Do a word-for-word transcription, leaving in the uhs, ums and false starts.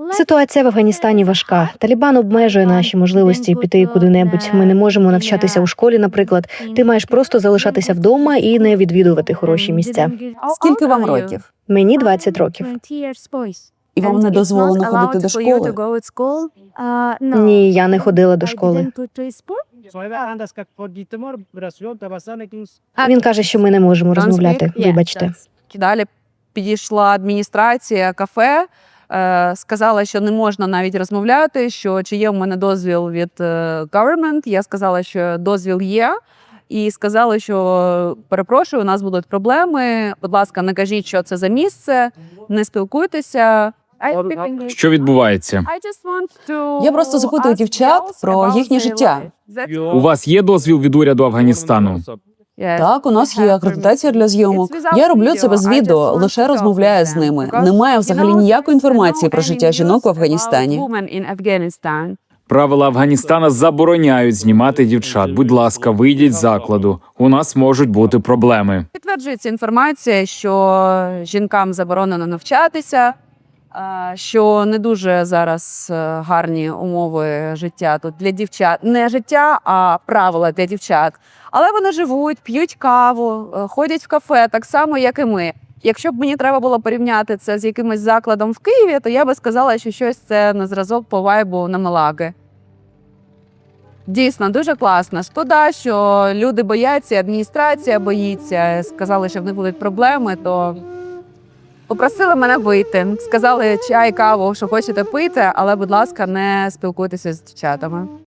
Ситуація в Афганістані важка. Талібан обмежує наші можливості піти куди-небудь. Ми не можемо навчатися у школі, наприклад. Ти маєш просто залишатися вдома і не відвідувати хороші місця. Скільки вам років? Мені двадцять років. І вам не дозволено ходити до школи? Ні, я не ходила до школи. Він каже, що ми не можемо розмовляти. Вибачте. Далі підійшла адміністрація кафе, е, сказала, що не можна навіть розмовляти, що чи є в мене дозвіл від е, government. Я сказала, що дозвіл є. І сказали, що перепрошую, у нас будуть проблеми. Будь ласка, не кажіть, що це за місце, не спілкуйтеся. Що відбувається? Я просто запитую дівчат про їхнє життя. У вас є дозвіл від уряду Афганістану? Так, у нас є акредитація для зйомок. Я роблю це без відео, лише розмовляю з ними. Немає взагалі ніякої інформації про життя жінок в Афганістані. Правила Афганістана забороняють знімати дівчат. Будь ласка, вийдіть з закладу. У нас можуть бути проблеми. Підтверджується інформація, що жінкам заборонено навчатися, е, що не дуже зараз е, гарні умови життя тут для дівчат. Не життя, а правила для дівчат. Але вони живуть, п'ють каву, е, ходять в кафе так само, як і ми. Якщо б мені треба було порівняти це з якимось закладом в Києві, то я би сказала, що щось це на зразок по вайбу на Малаги. Дійсно, дуже класно. Шкода, що люди бояться, адміністрація боїться. Сказали, що в них будуть проблеми, то попросили мене вийти. Сказали чай, каву, що хочете пити, але, будь ласка, не спілкуйтеся з дівчатами.